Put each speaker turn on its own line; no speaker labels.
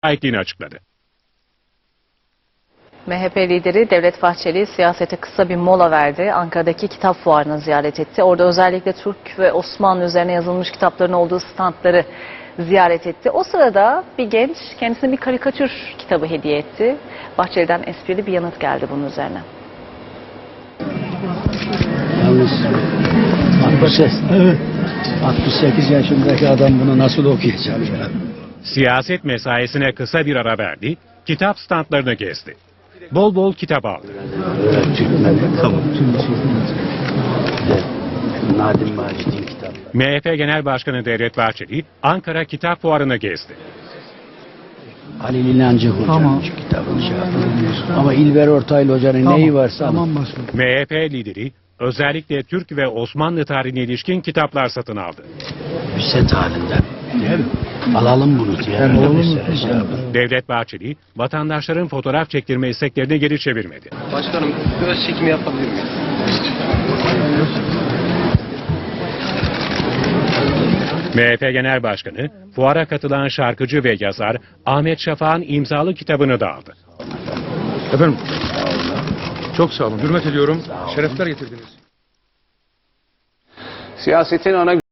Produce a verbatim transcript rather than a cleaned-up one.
şahitliğini açıkladı.
M H P lideri Devlet Bahçeli siyasete kısa bir mola verdi. Ankara'daki kitap fuarını ziyaret etti. Orada özellikle Türk ve Osmanlı üzerine yazılmış kitapların olduğu standları ziyaret etti. O sırada bir genç kendisine bir karikatür kitabı hediye etti. Bahçeli'den esprili bir yanıt geldi bunun üzerine.
Yalnız altmış sekiz yaşındaki adam bunu nasıl okuyacak ya?
Siyaset mesaisine kısa bir ara verdi, kitap standlarını gezdi. Bol bol kitap aldı.
Türkmen, tamam. Nadim Macit'in kitabı.
M H P Genel Başkanı Devlet Bahçeli, Ankara Kitap Fuarı'nı gezdi.
Halil İnancı Hoca'nın
Tamam.
kitabını şey yapıyor. Ama İlber Ortaylı Hoca'nın
Tamam,
neyi varsa
tamam başkanım.
M H P lideri, özellikle Türk ve Osmanlı tarihine ilişkin kitaplar satın aldı.
bir set halinde. Değil mi? Alalım bunu diye.
Yani
öyle
olur
bir
mu?
sene şey yapalım.
Devlet Bahçeli, vatandaşların fotoğraf çektirme isteklerini geri çevirmedi.
Başkanım, göz çekimi yapabilir miyiz?
M H P Genel Başkanı, fuara katılan şarkıcı ve yazar Ahmet Şafak'ın imzalı kitabını da aldı.
Efendim, çok sağ olun. Hürmet ediyorum. Şerefler getirdiniz.
Siyasetin ana